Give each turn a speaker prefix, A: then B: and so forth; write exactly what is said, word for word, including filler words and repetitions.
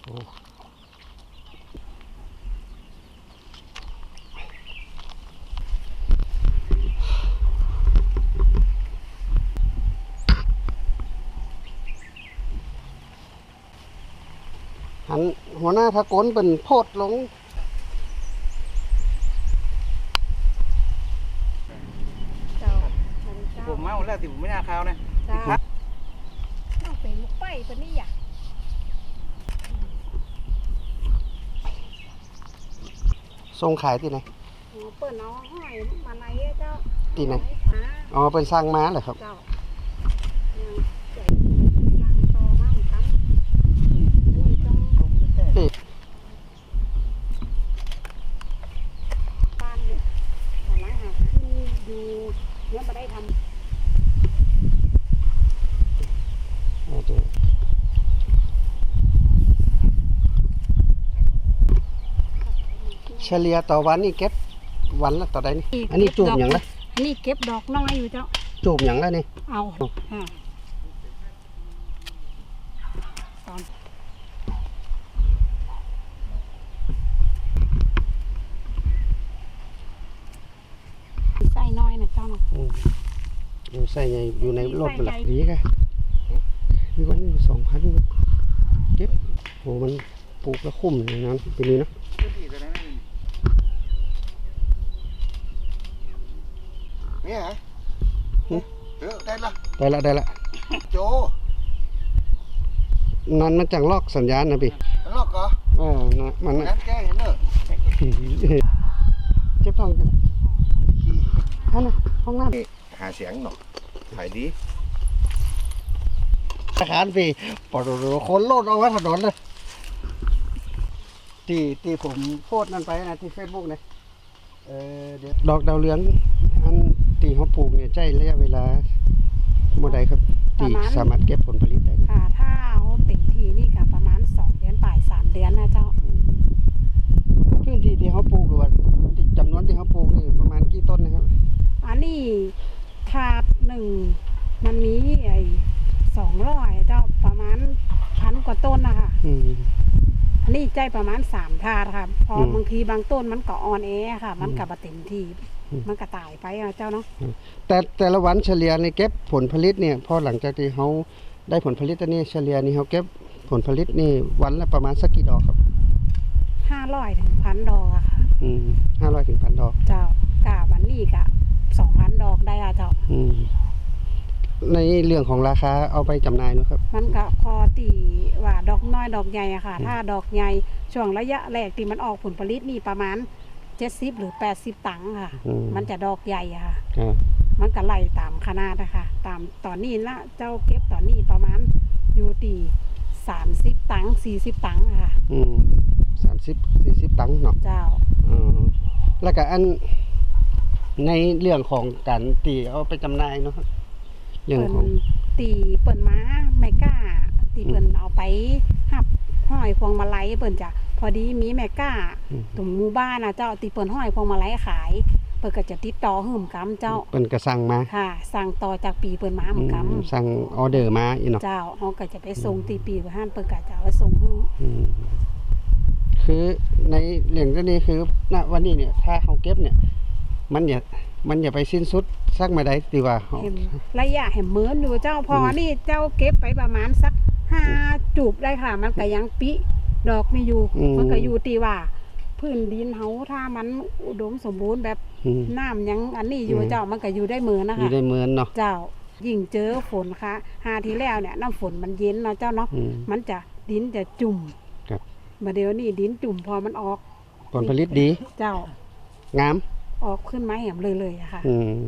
A: โอ้หันหัวหน้าทะโกนเป็นโพดลง
B: เจ้ามันเจ้า
C: ผมเมาแล้วที่ผมไม่น่าข้าวนะ
B: เจ้าเอาไปลูกไปปะนี่อ่ะ
A: ทรงขายที่ไหน
B: โอ้เปิดเอาห้อยมาไหนอะเจ้า
A: ที่ไหน
B: ม้า
A: อ๋อเป็นสร้างม้าเหรอครับ
B: เจ้ายังใจสั่งต่อมาเหมือนกันอันนี้ต้องบ้านเนี่ยตอนนั้นหาขึ้นอยู่เนี่ยมาได้ทำ
A: เฉลี่ยต่อวันนี่เก็บวันละต่อใดนี่อันนี้จูบอย่างละ
B: อันนี้เก็บดอกน้อยอยู่เจ้า
A: จูบอย่างละนี่
B: เอาอ่าตอนใส่น้อยนะเจ้าเนาะ
A: อืมอยู่ใส่ในอยู่ในรถเป็นหลักดีค่ะมีวันอยู่สองพันเก็บโหมันปลูกแล้วคุ้มเลยนะปีนี้เนาะ
C: เนี่ยฮะเออได้ละ
A: ได้ละได้ละ
C: โจ
A: นั่นมันจังลอกสัญญาณนะพี่
C: มันลอกเหรอ
A: เออนะมัน
C: งั้นแกเห็นเนอะ
A: เจ็บท้องจังฮันนะห้องน้ำ
C: หาเสียงหน่อยถ่ายดี
A: อาคารพี่ปอดคนโลดเอาไว้ถนนเลยที่ที่ผมโพสต์นั่นไปนะที่เฟซบุ๊กเนี่ยเออเดี๋ยวดอกดาวเรืองอันที่เขาปลูกเนี่ยใช้ระยะเวลาเมื่อใดครับที่สามารถเก็บผลผลิตได้
B: ค่ะถ้าเอาเต็มทีนี่ก็ประมาณสองเดือนปลายสามเดือนนะเจ้า
A: พื้นที่ที่เขาปลูกหรือว่าจำนวนที่เขาปลูกนี่ประมาณกี่ต้นนะครับ
B: อันนี้ถาดหนึ่งมันมีไอ้สองร้อยเจ้าประมาณพันกว่าต้นนะคะ
A: อืม
B: อันนี้ใจประมาณสามถาดค่ะพอ
A: อืม
B: บางทีบางต้นมันก็อ่อนแอค่ะ มันก็
A: อืม
B: บ่เต็มที่
A: อืม
B: มันก็ตายไปอะเจ้าเนาะ
A: แต่แต่ละวันเฉลี่ยในเก็บผลผลิตเนี่ยพอหลังจากที่เขาได้ผลผลิตอันนี้เฉลี่ยนี่เขาเก็บผลผลิตนี่วันละประมาณสักกี่ดอกครับ
B: ห้าร้อยถึงพันดอกอะค่ะ
A: อืมห้าร้อยถึงพันดอก
B: เจ้ากะวันนี้กะสองพันดอกได้อะเจ้า
A: อืมในเรื่องของราคาเอาไปจำหน่ายนะครับ
B: มันก็พอตีว่าดอกน้อยดอกใหญ่อะค่ะ ถ้าดอกใหญ่ช่วงระยะแรกที่มันออกผลผลิตนี่ประมาณเจ็ดสิบหรือแปดสิบตังค์ค่ะ
A: อืม
B: มันจะดอกใหญ่อะค่ะ
A: อ่า
B: มันก็ไล่ตามขนาดนะคะตามตอนนี้นะเจ้าเก็บตอนนี้ประมาณอยู่ตีสามสิบตังค์สี่สิบตังค์อะค่ะ
A: อืมสามสิบสี่สิบตังค์เนาะ
B: เจ้า
A: อืมแล้วก็อันในเรื่องของการตีเอาไปจำหน่ายเนาะครับเรื่อง
B: เปิ่น
A: ของ
B: ตีเปิ่นม้าไม่กล้า ตีเปิ่นเอาไปหับห้อยพวงมาลัยเปิ่นจะพอดีมีแม่กล้า
A: อืม
B: ตรงหมู่บ้านนะเจ้าตีเปิ่นห้อยพวงมาลัยขาย เปิ่นก็จะติดต่อหื่มกำเจ้า
A: เป็นกระสังมา
B: ค่ะ สั่งต่อจากปีเปิ่นมาเหมือนก
A: อืมสั่งออเดอร์มาอีเนาะ
B: ำเจ้าเขาก็จะไปส่งตีปีไปห้านเปิ่นก็จะเอาไปส่งหื้อ
A: อืมคือในเรื่องนี้คือณวันนี้เนี่ย ถ้าเขาเก็บเนี่ย มันอย่ามันอย่าไปสิ้นสุดสักมาได้ตีว่าเขา
B: เห็นระยะเห็นเหมือนอยู่เจ้าพออ
A: ม
B: นี่เจ้าเก็บไปประมาณสักห้าจูบได้ค่ะ มันก็ยังปิดอกไม่อยู่
A: อืม
B: มันก็อยู่ตีว่าพื้นดินเฮาถ้ามันอุดมสมบูรณ์แบบ
A: อืม
B: น้ำยังอันนี้อยู่
A: อืม
B: เจ้ามันก็อยู่ได้เหมือนนะ
A: อยู่
B: คะ
A: ได้เหมือนเนาะ
B: เจ้ายิ่งเจอฝนค่ะหาทีแล้วเนี่ยน้ำฝนมันเย็นเนาะเจ้าเนาะ
A: อืม
B: มันจะดินจะจุ่ม
A: ครับ
B: มาเดี๋ยวนี้ดินจุ่มพอมันออก
A: ผลผลิตดี
B: เจ้าง
A: าม
B: ออกขึ้นมาแหมเลยเลยอะค่ะ
A: อืม